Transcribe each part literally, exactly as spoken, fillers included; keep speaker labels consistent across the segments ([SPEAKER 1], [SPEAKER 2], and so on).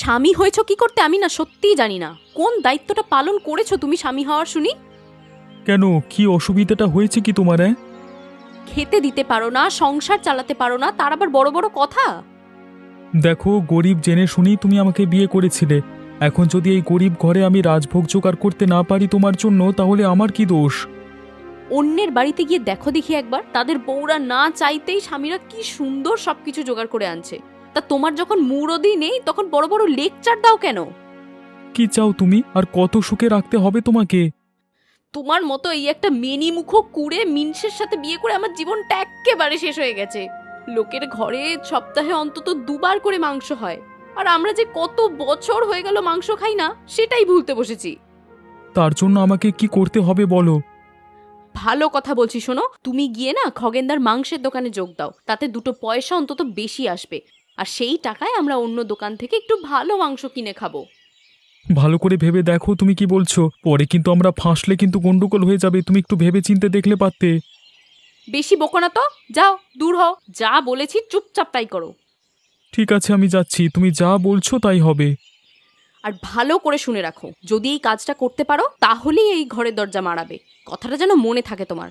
[SPEAKER 1] স্বামী হয়েছো কি করতে আমি না সত্যিই জানি না। কোন দায়িত্বটা পালন করেছো তুমি স্বামী হওয়ার শুনি?
[SPEAKER 2] কেন, কি অসুবিধাটা হয়েছে কি তোমার? হ্যাঁ,
[SPEAKER 1] খেতে দিতে পারো না, সংসার চালাতে পারো না, তার আবার বড় বড় কথা।
[SPEAKER 2] দেখো, গরিব জেনে শুনেই তুমি আমাকে বিয়ে করেছিলে। এখন যদি এই গরিব ঘরে আমি রাজভোগ জোগাড় করতে না পারি তোমার জন্য, তাহলে আমার কি দোষ?
[SPEAKER 1] অন্যের বাড়িতে গিয়ে দেখো দেখি একবার, তাদের বউরা না চাইতেই স্বামীরা কি সুন্দর সবকিছু জোগাড় করে আনছে। তা তোমার যখন মুরদি নেই তখন বড় বড় লেকচার দাও কেন?
[SPEAKER 2] কি চাও তুমি? আর কত সুখে রাখতে হবে তোমাকে?
[SPEAKER 1] তোমার মতো এই একটা মেনি মুখ কুড়ে মিনসের সাথে বিয়ে করে আমার জীবনটা এক্কেবারে শেষ হয়ে গেছে। লোকের ঘরে সপ্তাহে অন্তত দুবার করে মাংস হয়, আর আমরা যে কত বছর হয়ে গেল মাংস খাই না সেটাই ভুলতে বসেছি।
[SPEAKER 2] তার জন্য আমাকে কি করতে হবে বলো?
[SPEAKER 1] ভালো কথা বলছি শোনো, তুমি গিয়ে না খগেনদার মাংসের দোকানে যোগ দাও, তাতে দুটো পয়সা অন্তত বেশি আসবে, আর সেই টাকায় আমরা অন্য দোকান থেকে একটু ভালো মাংস কিনে খাবো।
[SPEAKER 2] ভালো করে ভেবে দেখো তুমি কি বলছো, পরে কিন্তু আমরা ফাঁসলে কিন্তু গন্ডগোল হয়ে যাবে। তুমি একটু ভেবে চিন্তে দেখলে পারতে।
[SPEAKER 1] বেশি বকো না তো, যাও দূর হও। যা বলেছি চুপচাপ তাই করো।
[SPEAKER 2] ঠিক আছে, আমি যাচ্ছি, তুমি যা বলছো তাই হবে।
[SPEAKER 1] আর ভালো করে শুনে রাখো, যদি এই কাজটা করতে পারো তাহলেই এই ঘরের দরজা মারাবে। কথাটা যেন মনে থাকে তোমার।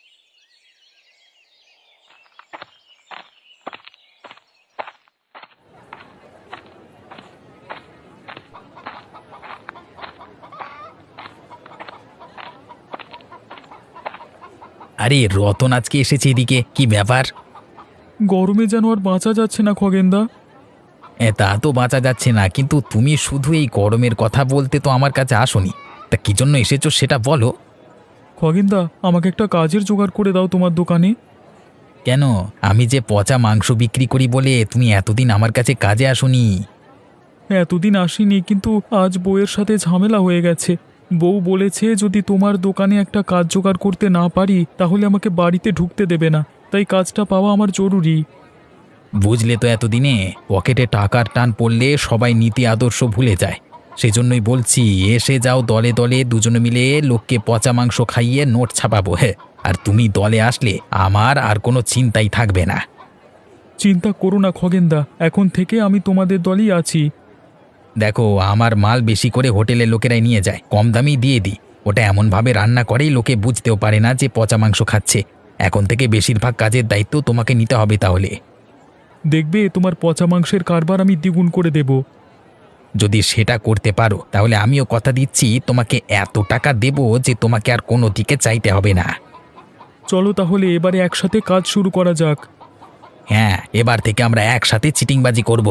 [SPEAKER 3] আরে রতন আজকে এসেছে এদিকে, কি ব্যাপার?
[SPEAKER 2] গরমে যেন আর বাঁচা যাচ্ছে না খগেনদা।
[SPEAKER 3] এ, তা তো বাঁচা যাচ্ছে না, কিন্তু তুমি শুধু এই গরমের কথা বলতে তো আমার কাছে আসোনি। তা কি জন্য এসেছো সেটা বলো।
[SPEAKER 2] খগেনদা, আমাকে একটা কাজের জোগাড় করে দাও তোমার দোকানে।
[SPEAKER 3] কেন, আমি যে পচা মাংস বিক্রি করি বলে তুমি এতদিন আমার কাছে কাজে আসোনি?
[SPEAKER 2] এতদিন আসিনি, কিন্তু আজ বউয়ের সাথে ঝামেলা হয়ে গেছে। বউ বলেছে যদি তোমার দোকানে একটা কাজ জোগাড় করতে না পারি তাহলে আমাকে বাড়িতে ঢুকতে দেবে না, তাই কাজটা পাওয়া আমার জরুরি।
[SPEAKER 3] বুঝলে তো, এতদিনে পকেটে টাকার টান পড়লে সবাই নীতি আদর্শ ভুলে যায়। সেই জন্যই বলছি, এসে যাও দলে দলে, দুজনে মিলে লোককে পচা মাংস খাইয়ে নোট ছাপাবো। হ্যাঁ, আর তুমি দলে আসলে আমার আর কোনো চিন্তাই থাকবে না।
[SPEAKER 2] চিন্তা করো না খগেনদা, এখন থেকে আমি তোমাদের দলই আছি।
[SPEAKER 3] দেখো, আমার মাল বেশি করে হোটেলের লোকেরাই নিয়ে যায়, কম দামেই দিয়ে দিই। ওটা এমনভাবে রান্না করেই লোকে বুঝতেও পারে না যে পচা মাংস খাচ্ছে। এখন থেকে বেশিরভাগ কাজের দায়িত্ব তোমাকে নিতে হবে তাহলে।
[SPEAKER 2] দেখবে তোমার পচা মাংসের কারবার আমি দ্বিগুণ করে দেব।
[SPEAKER 3] যদি সেটা করতে পারো তাহলে আমিও কথা দিচ্ছি তোমাকে এত টাকা দেব যে তোমাকে আর কোনো দিকে চাইতে হবে না।
[SPEAKER 2] চলো তাহলে এবারে একসাথে কাজ শুরু করা যাক।
[SPEAKER 3] হ্যাঁ, এবার থেকে আমরা একসাথে চিটিংবাজি করব।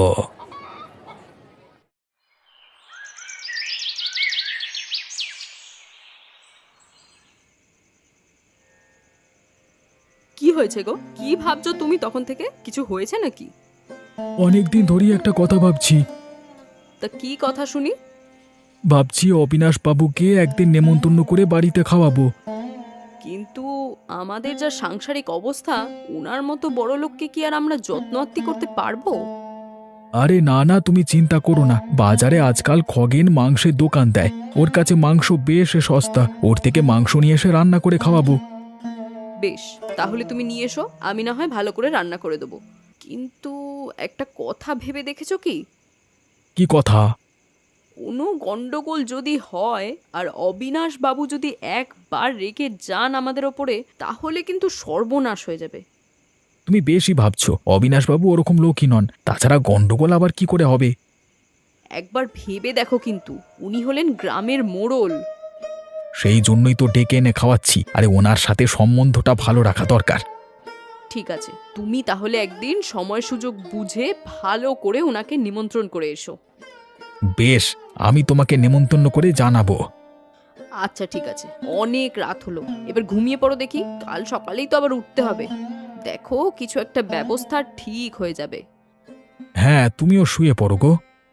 [SPEAKER 1] কি হয়েছে গো? কি ভাবছো তুমি তখন থেকে? কিছু হয়েছে নাকি?
[SPEAKER 2] অনেকদিন ধরেই একটা কথা ভাবছি।
[SPEAKER 1] তা কি কথা শুনি?
[SPEAKER 2] ভাবছি অবিনাশ বাবুকে একদিন নেমন্তন্ন করে বাড়িতে খাওয়াবো।
[SPEAKER 1] কিন্তু আমাদের যা সাংসারিক অবস্থা, ওনার মতো বড় লোককে কি আর আমরা যত্ন আত্তি করতে পারবো?
[SPEAKER 2] আরে না না, তুমি চিন্তা করো না। বাজারে আজকাল খগেন মাংসের দোকান দেয়, ওর কাছে মাংস বেশ সস্তা, ওর থেকে মাংস নিয়ে এসে রান্না করে খাওয়াবো।
[SPEAKER 1] বেশ, তাহলে তুমি নিয়ে এসো, আমি না হয় ভালো করে রান্না করে দেবো। কিন্তু একটা কথা ভেবে দেখেছো কি?
[SPEAKER 2] কি কথা?
[SPEAKER 1] কোনো গন্ডগোল যদি হয় আর অবিনাশ বাবু যদি একবার রেগে যান আমাদের ওপরে, তাহলে কিন্তু সর্বনাশ হয়ে যাবে।
[SPEAKER 2] তুমি বেশি ভাবছো, অবিনাশবাবু ওরকম লোকই নন। তাছাড়া গন্ডগোল আবার কি করে হবে?
[SPEAKER 1] একবার ভেবে দেখো, কিন্তু উনি হলেন গ্রামের মোড়ল।
[SPEAKER 2] সেই জন্যই তো ডেকে এনে খাওয়াচ্ছি। আরে ওনার সাথে সম্বন্ধটা ভালো রাখা দরকার।
[SPEAKER 1] ঠিক আছে, তুমি তাহলে একদিন সময় সুযোগ বুঝে ভালো করে ওনাকে নিমন্ত্রণ করে এসো।
[SPEAKER 2] বেশ, আমি তোমাকে নেমন্তন্ন করে জানাবো।
[SPEAKER 1] আচ্ছা ঠিক আছে, অনেক রাত হলো, এবার ঘুমিয়ে পড়ো দেখি, কাল সকালেই তো আবার উঠতে হবে। দেখো কিছু একটা ব্যবস্থা ঠিক হয়ে যাবে।
[SPEAKER 2] হ্যাঁ, তুমিও শুয়ে পড়ো গো।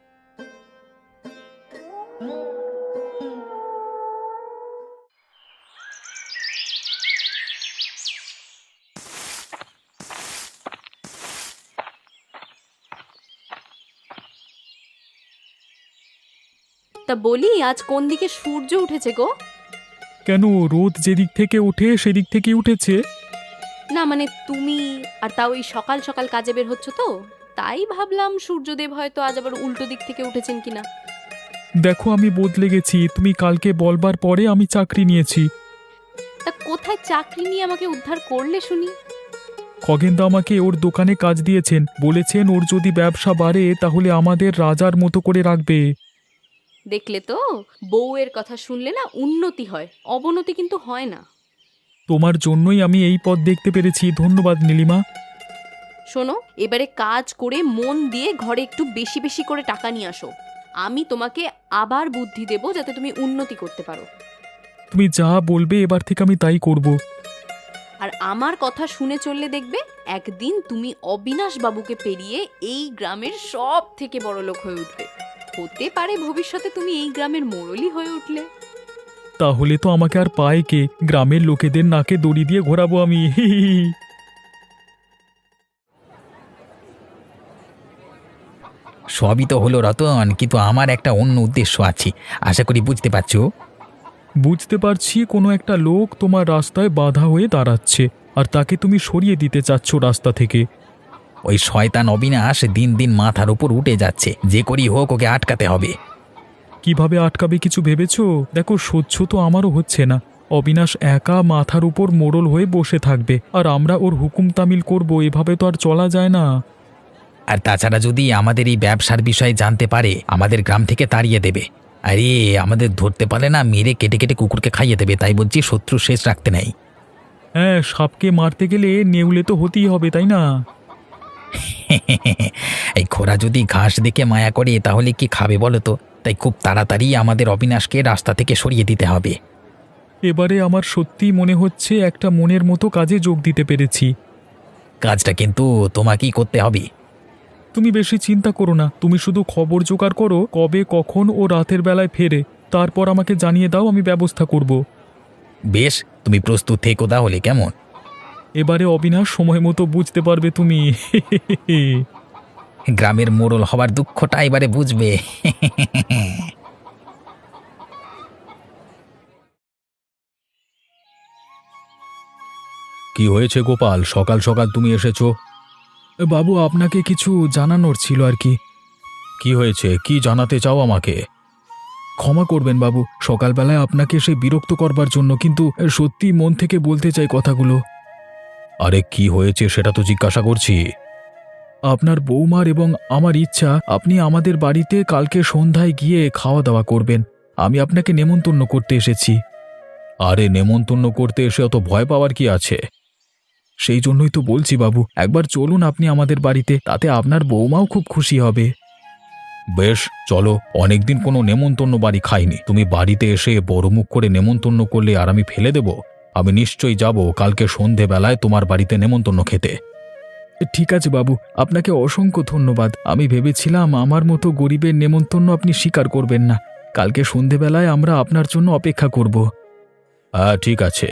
[SPEAKER 1] তা বলি, আজ কোন দিকে সূর্য উঠেছে গো?
[SPEAKER 2] কেন, রোদ যেদিক থেকে ওঠে সেদিক থেকেই উঠেছে।
[SPEAKER 1] না মানে তুমি, আর তাও এই সকাল সকাল কাজে বের হচ্ছ তো? তাই ভাবলাম সূর্যদেব হয়তো আজ আবার উল্টো দিক থেকে উঠেছেন কিনা।
[SPEAKER 2] দেখো আমি বদলে গেছি, তুমি কালকে বলবার পরে আমি চাকরি নিয়েছি।
[SPEAKER 1] তা কোথায় চাকরি নিয়ে আমাকে উদ্ধার করলে শুনি?
[SPEAKER 2] খগেনদা আমাকে ওর দোকানে কাজ দিয়েছেন, বলেছেন ওর যদি ব্যবসা বাড়ে তাহলে আমাদের রাজার মতো করে রাখবে।
[SPEAKER 1] দেখলে তো, বউয়ের কথা শুনলে না উন্নতি হয়, অবনতি কিন্তু হয় না।
[SPEAKER 2] তোমার জন্যই আমি এই পথ দেখতে পেরেছি, ধন্যবাদ নীলিমা।
[SPEAKER 1] শোনো, এবারে কাজ করে মন দিয়ে ঘরে একটু বেশি বেশি করে টাকা নিয়ে আসো। আমি তোমাকে আবার বুদ্ধি দেব যাতে তুমি উন্নতি করতে পারো।
[SPEAKER 2] তুমি যা বলবে এবার থেকে আমি তাই করব।
[SPEAKER 1] আর আমার কথা শুনে চললে দেখবে একদিন তুমি অবিনাশ বাবুকে পেরিয়ে এই গ্রামের সব থেকে বড় লোক হয়ে উঠবে। হতে পারে ভবিষ্যতে তুমি এই গ্রামের মোড়লই হয়ে উঠলে।
[SPEAKER 2] তাহলে তো আমাকে আর পায় কে? গ্রামের লোকেদের নাকে দড়ি দিয়ে ঘোরাবো আমি। হি হি হি।
[SPEAKER 3] সবই তো হলো রতন, কিন্তু আমার একটা অন্য উদ্দেশ্য আছে, আশা করি বুঝতে পারছো।
[SPEAKER 2] বুঝতে পারছি, কোনো একটা লোক তোমার রাস্তায় বাধা হয়ে দাঁড়াচ্ছে আর তাকে তুমি সরিয়ে দিতে চাচ্ছ রাস্তা থেকে।
[SPEAKER 3] ওই শয়তান অবিনাশ দিন দিন মাথার উপর উঠে যাচ্ছে, যে করি হোক ওকে আটকাতে হবে।
[SPEAKER 2] কিভাবে আটকাবে কিছু ভেবেছো? দেখো সহ্য তো আমারও হচ্ছে না। অবিনাশ একা মাথার উপর মোড়ল হয়ে বসে থাকবে আর আমরা ওর হুকুম তামিল করব, এভাবে তো আর চলা যায় না।
[SPEAKER 3] আর তাছাড়া যদি আমাদের এই ব্যবসার বিষয়ে জানতে পারে আমাদের গ্রাম থেকে তাড়িয়ে দেবে। আরে আমাদের ধরতে পারে না, মেরে কেটে কেটে কুকুরকে খাইয়ে দেবে। তাই বলছি শত্রু শেষ রাখতে নেই।
[SPEAKER 2] হ্যাঁ, সাপকে মারতে গেলে নেউলে তো হতেই হবে, তাই না?
[SPEAKER 3] এই খোরা যদি ঘাস দেখে মায়া করে তাহলে কি খাবে বলো তো? তাই খুব তাড়াতাড়ি আমাদের অবিনাশকে রাস্তা থেকে সরিয়ে দিতে হবে।
[SPEAKER 2] এবারে আমার সত্যি মনে হচ্ছে একটা মনের মতো কাজে যোগ দিতে পেরেছি।
[SPEAKER 3] কাজটা কিন্তু তোমাকেই করতে হবে।
[SPEAKER 2] তুমি বেশি চিন্তা করো না, তুমি শুধু খবর জোগাড় করো কবে কখন ও রাতের বেলায় ফেরে, তারপর আমাকে জানিয়ে দাও, আমি ব্যবস্থা করব।
[SPEAKER 3] বেশ, তুমি প্রস্তুত থেকো তাহলে, কেমন?
[SPEAKER 2] এবারে অবিনাশ সময় মতো বুঝতে পারবে তুমি।
[SPEAKER 3] গ্রামের মোড়ল হবার দুঃখটা এবারে বুঝবে।
[SPEAKER 2] কি হয়েছে গোপাল, সকাল সকাল তুমি এসেছো? বাবু, আপনাকে কিছু জানানোর ছিল আর কি। কি হয়েছে, কি জানাতে চাও আমাকে? ক্ষমা করবেন বাবু, সকালবেলায় আপনাকে সে বিরক্ত করবার জন্য, কিন্তু সত্যি মন থেকে বলতে চাই কথাগুলো। আরে কি হয়েছে সেটা তো জিজ্ঞাসা করছি। আপনার বৌমার এবং আমার ইচ্ছা আপনি আমাদের বাড়িতে কালকে সন্ধ্যায় গিয়ে খাওয়া দাওয়া করবেন। আমি আপনাকে নেমন্তন্ন করতে এসেছি। আরে নেমন্তন্ন করতে এসে অত ভয় পাওয়ার কি আছে? সেই জন্যই তো বলছি বাবু, একবার চলুন আপনি আমাদের বাড়িতে, তাতে আপনার বৌমাও খুব খুশি হবে। বেশ চলো, অনেকদিন কোনো নেমন্তন্ন বাড়ি খাইনি, তুমি বাড়িতে এসে বড় মুখ করে নেমন্তন্ন করলে আর আমি ফেলে দেব? আমি নিশ্চয়ই যাব কালকে সন্ধেবেলায় তোমার বাড়িতে নেমন্তন্ন খেতে। ঠিক আছে বাবু, আপনাকে অসংখ্য ধন্যবাদ। আমি ভেবেছিলাম আমার মতো গরিবের নেমন্তন্ন আপনি স্বীকার করবেন না। কালকে সন্ধেবেলায় আমরা আপনার জন্য অপেক্ষা করব। হ্যাঁ ঠিক আছে।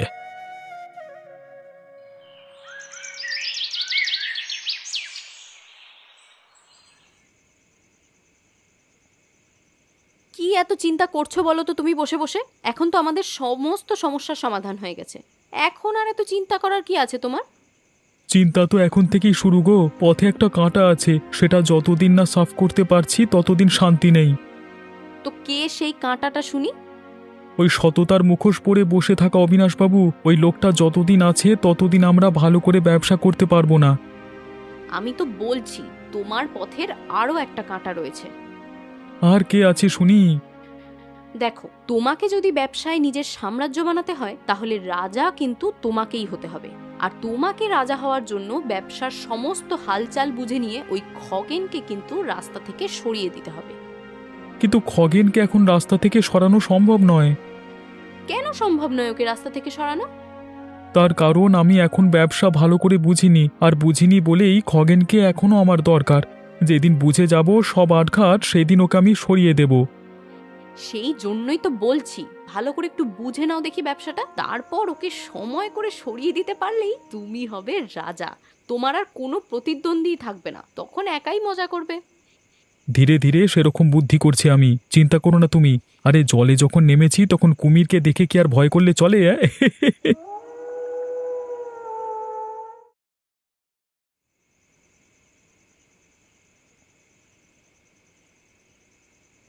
[SPEAKER 1] কি এত চিন্তা করছো বলো তো তুমি বসে বসে? এখন তো আমাদের সমস্ত সমস্যার সমাধান হয়ে গেছে, এখন আর এত চিন্তা করার কি আছে তোমার?
[SPEAKER 2] চিন্তা তো এখন থেকেই শুরু গো। পথে একটা কাঁটা আছে, সেটা যতদিন না সাফ করতে পারছি ততদিন শান্তি নেই।
[SPEAKER 1] তো কে সেই কাঁটাটা শুনি?
[SPEAKER 2] ওই সততার মুখোশ পরে বসে থাকা অবিনাশবাবু, ওই লোকটা যতদিন আছে ততদিন আমরা ভালো করে ব্যবসা করতে পারবো না।
[SPEAKER 1] আমি তো বলছি তোমার পথের আরও একটা কাঁটা রয়েছে।
[SPEAKER 2] আর কে আছে শুনি?
[SPEAKER 1] দেখো, তোমাকে যদি ব্যবসায় নিজের সাম্রাজ্য বানাতে হয় তাহলে রাজা কিন্তু তোমাকেই হতে হবে। আর তোমাকে রাজা হওয়ার জন্য ব্যবসার সমস্ত হালচাল বুঝে নিয়ে ওই খগেনকে কিন্তু রাস্তা থেকে সরিয়ে দিতে হবে।
[SPEAKER 2] কিন্তু খগেনকে এখন রাস্তা থেকে সরানো সম্ভব নয়।
[SPEAKER 1] কেন সম্ভব নয় ওকে রাস্তা থেকে সরানো?
[SPEAKER 2] তার কারণ আমি এখন ব্যবসা ভালো করে বুঝিনি, আর বুঝিনি বলেই খগেনকে এখনো আমার দরকার। যেদিন বুঝে যাব সব আটঘাট, সেদিন ওকে আমি সরিয়ে দেব।
[SPEAKER 1] সেই জন্যই তো বলছি ভালো করে একটু বুঝে নাও দেখি ব্যবসাটা, তারপর ওকে সময় করে সরিয়ে দিতে পারলেই তুমি হবে রাজা। তোমার আর কোনো প্রতিদ্বন্দ্বী থাকবে না, তখন একাই মজা করবে।
[SPEAKER 2] ধীরে ধীরে সেরকম বুদ্ধি করছি আমি, চিন্তা করো না তুমি। আরে জলে যখন নেমেছি তখন কুমিরকে দেখে কি আর ভয় করলে চলে?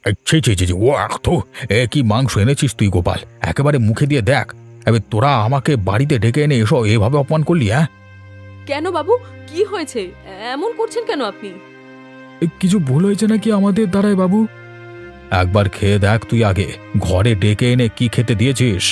[SPEAKER 3] ছি ছি ছি ছি, ও আখ তো এ কি মাংস এনেছিস তুই গোপাল, একেবারে মুখে দিয়ে দেখ। এবার তোরা আমাকে বাড়িতে ডেকে এনে এসো এভাবে অপমান করলি? হ্যাঁ,
[SPEAKER 1] কেন বাবু, কি হয়েছে? এমন করছেন কেন আপনি?
[SPEAKER 2] এ, কিছু ভুল হয়েছে নাকি আমাদের দ্বারাই বাবু?
[SPEAKER 3] একবার খেয়ে দেখ তুই আগে, ঘরে ডেকে এনে কি খেতে দিয়েছিস।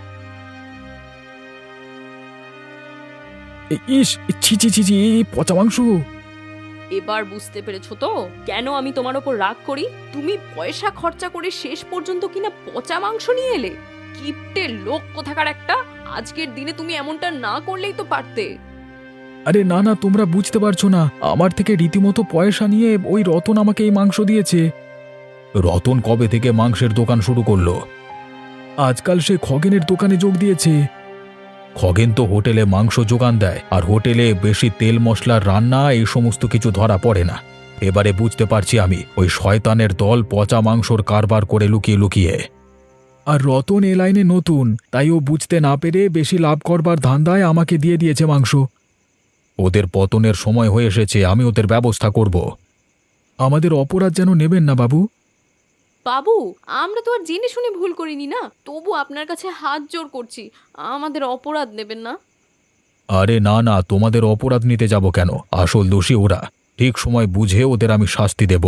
[SPEAKER 2] এ, ইস, ছি ছি ছি ছি, এই পচা মাংস!
[SPEAKER 1] এবার বুঝতে পেরেছো তো কেন আমি তোমার ওপর রাগ করি? তুমি পয়সা খরচা করে শেষ পর্যন্ত কিনা পচা মাংস নিয়ে এলে। কিপ্টে লোক কোথাকার একটা! আজকের দিনে তুমি এমনটা না করলেই তো পারতে।
[SPEAKER 2] আরে না না, তোমরা বুঝতে পারছো না, আমার থেকে রীতিমতো পয়সা নিয়ে ওই রতন আমাকে এই মাংস দিয়েছে।
[SPEAKER 3] রতন কবে থেকে মাংসের দোকান শুরু করলো?
[SPEAKER 2] আজকাল সে খগেনের দোকানে যোগ দিয়েছে।
[SPEAKER 3] খগেন তো হোটেলে মাংস যোগান দেয়, আর হোটেলে বেশি তেল মশলার রান্না এই সমস্ত কিছু ধরা পড়ে না। এবারে বুঝতে পারছি আমি, ওই শয়তানের দল পচা মাংসর কারবার করে লুকিয়ে লুকিয়ে।
[SPEAKER 2] আর রতন এ লাইনে নতুন, তাই ও বুঝতে না পেরে বেশি লাভ করবার ধান্দায় আমাকে দিয়ে দিয়েছে মাংস।
[SPEAKER 3] ওদের পতনের সময় হয়ে এসেছে, আমি ওদের ব্যবস্থা করব।
[SPEAKER 2] আমাদের অপরাধ যেন নেবেন না বাবু।
[SPEAKER 1] বাবু, আমরা তো আর জেনে শুনে ভুল করিনি না, তবু আপনার কাছে হাত জোর করছি, আমাদের অপরাধ নেবেন না।
[SPEAKER 3] আরে না না, তোমাদের অপরাধ নিতে যাব কেন? আসল দোষী ওরা। ঠিক সময় বুঝে ওদের আমি শাস্তি দেব।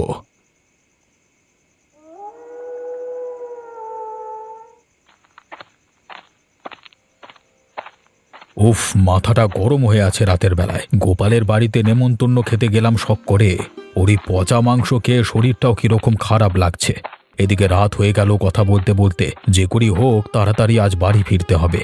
[SPEAKER 3] উফ, মাথাটা গরম হয়ে আছে রাতের বেলায়। গোপালের বাড়িতে নেমন্তন্ন খেতে গেলাম শখ করে, ওরই পচা মাংস খেয়ে শরীরটাও কিরকম খারাপ লাগছে। এদিকে রাত হয়ে গেল কথা বলতে বলতে। যে করি হোক তাড়াতাড়ি আজ বাড়ি ফিরতে হবে।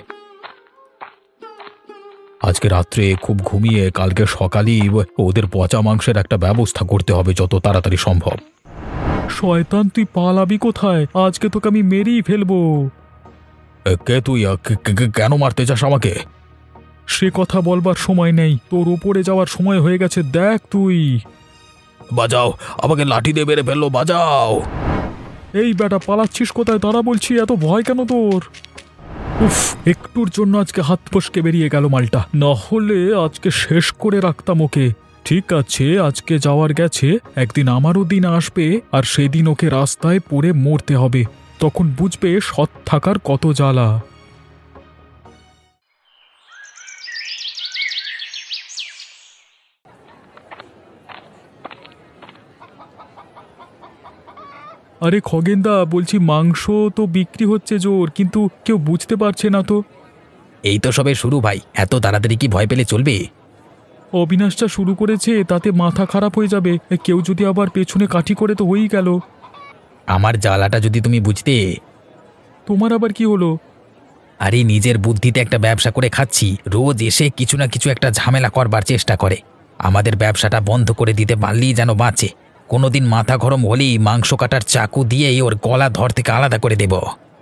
[SPEAKER 3] আজকে রাত্রে খুব ঘুমিয়ে কালকে সকালেই ওদের পচা মাংসের একটা ব্যবস্থা করতে হবে যত তাড়াতাড়ি সম্ভব।
[SPEAKER 2] শয়তান, তুই পালাবি কোথায়? আজকে তোকে আমি মেরেই ফেলবো।
[SPEAKER 3] এ, কে তুই? আ, কে- কে- কেন মারতে চাস আমাকে?
[SPEAKER 2] সে কথা বলবার সময় নেই, তোর উপরে যাওয়ার সময় হয়ে গেছে, দেখ তুই।
[SPEAKER 3] বাজাও, আমাকে লাঠি দিয়ে মেরে ফেললো, বাজাও।
[SPEAKER 2] এই বেটা, পালাচ্ছিস কোথায়? তারা বলছি, এত ভয় কেন তোর? উফ, একটুর জন্য আজকে হাত ফসকে বেরিয়ে গেল মালটা, না হলে আজকে শেষ করে রাখতাম ওকে। ঠিক আছে, আজকে যাওয়ার গেছে, একদিন আমারও দিন আসবে, আর সেদিন ওকে রাস্তায় পড়ে মরতে হবে। তখন বুঝবে সৎ থাকার কত জ্বালা। আরে খগেনদা, বলছি মাংস তো বিক্রি হচ্ছে জোর, কিন্তু কেউ বুঝতে পারছে না তো।
[SPEAKER 3] এই তো সবে শুরু ভাই, এত তাড়াতাড়ি কি ভয় পেলে চলবে?
[SPEAKER 2] অবিনাশটা শুরু করেছে, তাতে মাথা খারাপ হয়ে যাবে। কেউ যদি আবার পেছনে কাঠি করে তো হয়েই গেল।
[SPEAKER 3] আমার জ্বালাটা যদি তুমি বুঝতে।
[SPEAKER 2] তোমার আবার কি হলো?
[SPEAKER 3] আরে নিজের বুদ্ধিতে একটা ব্যবসা করে খাচ্ছি, রোজ এসে কিছু না কিছু একটা ঝামেলা করবার চেষ্টা করে। আমাদের ব্যবসাটা বন্ধ করে দিতে পারলেই যেন বাঁচে। কোনোদিন মাথা গরম হলেই মাংস কাটার চাকু দিয়ে ওর গলা ধর থেকে আলাদা করে দেব।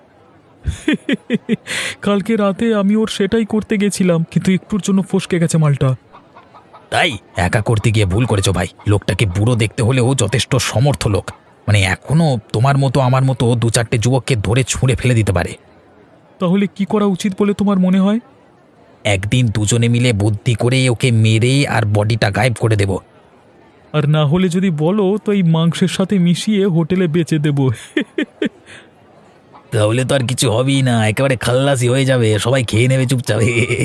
[SPEAKER 2] কালকে রাতে আমি ওর সেটাই করতে গেছিলাম, কিন্তু একটুর জন্য ফসকে গেছে মালটা।
[SPEAKER 3] তাই একা করতে গিয়ে ভুল করেছো ভাই। লোকটাকে বুড়ো দেখতে হলেও যথেষ্ট সমর্থ লোক, মানে এখনো তোমার মতো আমার মতো দু চারটে যুবককে ধরে ছুঁড়ে ফেলে দিতে পারে।
[SPEAKER 2] তাহলে কি করা উচিত বলে তোমার মনে হয়?
[SPEAKER 3] একদিন দুজনে মিলে বুদ্ধি করে ওকে মেরে আর বডিটা গায়েব করে দেব।
[SPEAKER 2] আর না হলে যদি বলো তো এই মাংসের সাথে মিশিয়ে হোটেলে বেচে দেব।
[SPEAKER 3] তাহলে তো আর কিছু হবেই না, একেবারে খাল্লাসি হয়ে যাবে, সবাই খেয়ে নেবে চুপচাপ।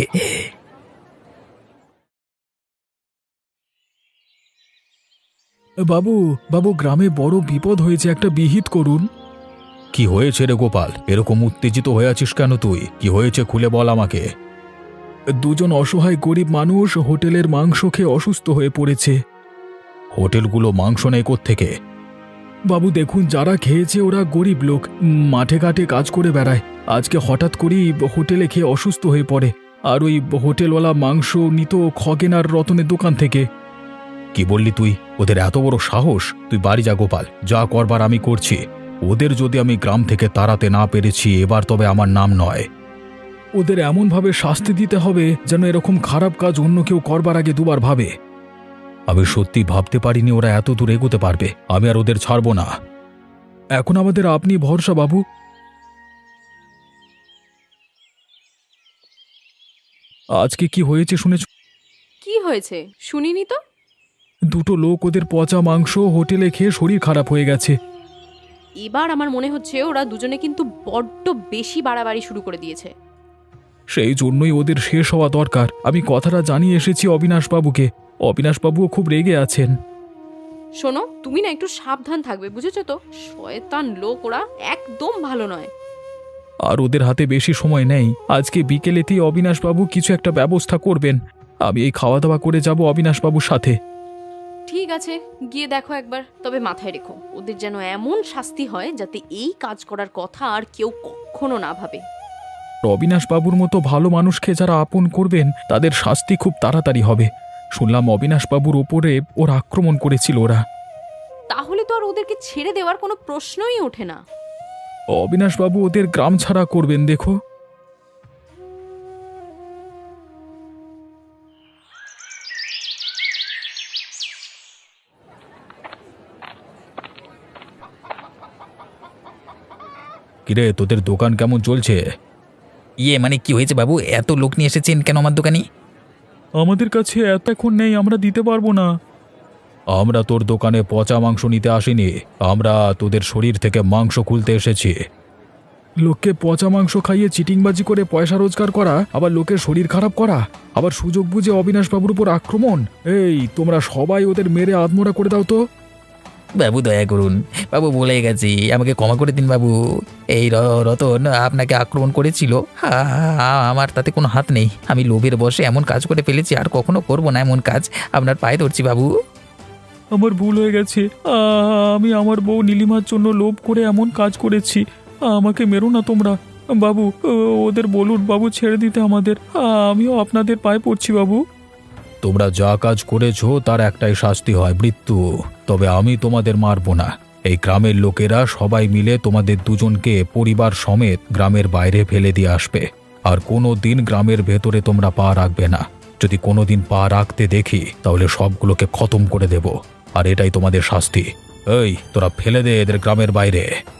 [SPEAKER 2] বাবু বাবু, গ্রামে বড় বিপদ হয়েছে, একটা বিহিত করুন।
[SPEAKER 3] কি হয়েছে রে গোপাল? এরকম উত্তেজিত হয়ে আছিস কেন তুই? কি হয়েছে খুলে বল আমাকে।
[SPEAKER 2] দুজন অসহায় গরিব মানুষ হোটেলের মাংস খেয়ে অসুস্থ হয়ে পড়েছে।
[SPEAKER 3] হোটেলগুলো মাংস নেই কোত্থেকে?
[SPEAKER 2] বাবু দেখুন, যারা খেয়েছে ওরা গরিব লোক, মাঠে ঘাটে কাজ করে বেড়ায়। আজকে হঠাৎ করেই হোটেলে খেয়ে অসুস্থ হয়ে পড়ে, আর ওই হোটেলওয়ালা মাংস নিত খগেন আর রতনের দোকান থেকে।
[SPEAKER 3] কি বললি তুই? ওদের এত বড় সাহস! তুই বাড়ি যা গোপাল, যা করবার আমি করছি। ওদের যদি আমি গ্রাম থেকে তাড়াতে না পেরেছি, এবার তবে আমার নাম নয়।
[SPEAKER 2] ওদের এমনভাবে শাস্তি দিতে হবে যেন এরকম খারাপ কাজ অন্য কেউ করবার আগে দুবার ভাবে।
[SPEAKER 3] আমি সত্যি ভাবতে পারিনি ওরা এত দূর এগোতে পারবে। আমি আর ওদের ছাড়বো না।
[SPEAKER 2] এখন আমাদের আপনি ভরসা বাবু। আজকে কি হয়েছে শুনেছ?
[SPEAKER 1] কি হয়েছে শুনিনি তো।
[SPEAKER 2] দুটো লোক ওদের পচা মাংস হোটেলে খেয়ে শরীর খারাপ হয়ে গেছে।
[SPEAKER 1] এবার আমার মনে হচ্ছে ওরা দুজনে কিন্তু বড্ড বেশি বাড়াবাড়ি শুরু করে দিয়েছে।
[SPEAKER 2] সেই জন্যই ওদের শেষ হওয়া দরকার। আমি কথাটা জানিয়ে এসেছি অবিনাশবাবুকে। অবিনাশবাবুও খুব রেগে আছেন।
[SPEAKER 1] শোনো, তুমি না একটু সাবধান থাকবে, বুঝেছো তো? শয়তান লোক ওরা, একদম ভালো নয়।
[SPEAKER 2] আর ওদের হাতে বেশি সময় নেই। আজকে বিকেলেতেই অবিনাশবাবু কিছু একটা ব্যবস্থা করবেন। আমি এই খাওয়া দাওয়া করে যাব অবিনাশবাবুর সাথে।
[SPEAKER 1] ঠিক আছে, গিয়ে দেখো একবার। তবে মাথায় রেখো, ওদের যেন এমন শাস্তি হয় যাতে এই কাজ করার কথা আর কেউ কখনো না ভাবে।
[SPEAKER 2] অবিনাশবাবুর মতো ভালো মানুষকে যারা আপন করবেন তাদের শাস্তি খুব তাড়াতাড়ি হবে। শুনলাম অবিনাশবাবুর ওপরে ওর আক্রমণ করেছিল ওরা।
[SPEAKER 1] তাহলে তো আর ওদেরকে ছেড়ে দেওয়ার কোনো প্রশ্নই ওঠে না।
[SPEAKER 2] অবিনাশবাবু ওদের গ্রাম ছাড়া করবেন দেখো। কিরে, তোদের দোকান কেমন চলছে?
[SPEAKER 3] ইয়ে মানে কি হয়েছে বাবু, এত লোক নিয়ে এসেছেন কেন আমার দোকানে?
[SPEAKER 2] আমাদের কাছে এত এখন নেই, আমরা দিতে পারবো না। আমরা তোর দোকানে পচা মাংস নিতে আসিনি, আমরা তোদের শরীর থেকে মাংস খুলতে এসেছি। লোককে পচা মাংস খাইয়ে চিটিংবাজি করে পয়সা রোজগার করা, আবার লোকের শরীর খারাপ করা, আবার সুযোগ বুঝে অবিনাশবাবুর উপর আক্রমণ। এই তোমরা সবাই ওদের মেরে আধমোড়া করে দাও তো।
[SPEAKER 3] বাবু দয়া করুন, বাবু বলে গেছি, আমাকে ক্ষমা করে দিন বাবু। এই র- রতন আপনাকে আক্রমণ করেছিল, আ- আ- আমার তাতে কোনো হাত নেই। আমি লোভের বশে এমন কাজ করে ফেলেছি, আর কখনো করব না এমন কাজ। আপনার পায়ে ধরছি বাবু।
[SPEAKER 2] আমার ভুল হয়ে গেছে। আ, আমি আমার বউ নীলিমার জন্য লোভ করে এমন কাজ করেছি। আমাকে মেরো না তোমরা। বাবু, ও, ওদের বলুন বাবু ছেড়ে দিতে আমাদের। আ, আমিও আপনাদের পায়ে পড়ছি বাবু। তোমরা যা কাজ করেছো তার একটাই শাস্তি হয়, মৃত্যু। তবে আমি তোমাদের মারবো না। এই গ্রামের লোকেরা সবাই মিলে তোমাদের দুজনকে পরিবার সমেত গ্রামের বাইরে ফেলে দিয়ে আসবে। আর কোনো দিন গ্রামের ভেতরে তোমরা পা রাখবে না। যদি কোনো দিন পা রাখতে দেখি তাহলে সবগুলোকে খতম করে দেব। আর এটাই তোমাদের শাস্তি। এই তোরা ফেলে দে এদের গ্রামের বাইরে।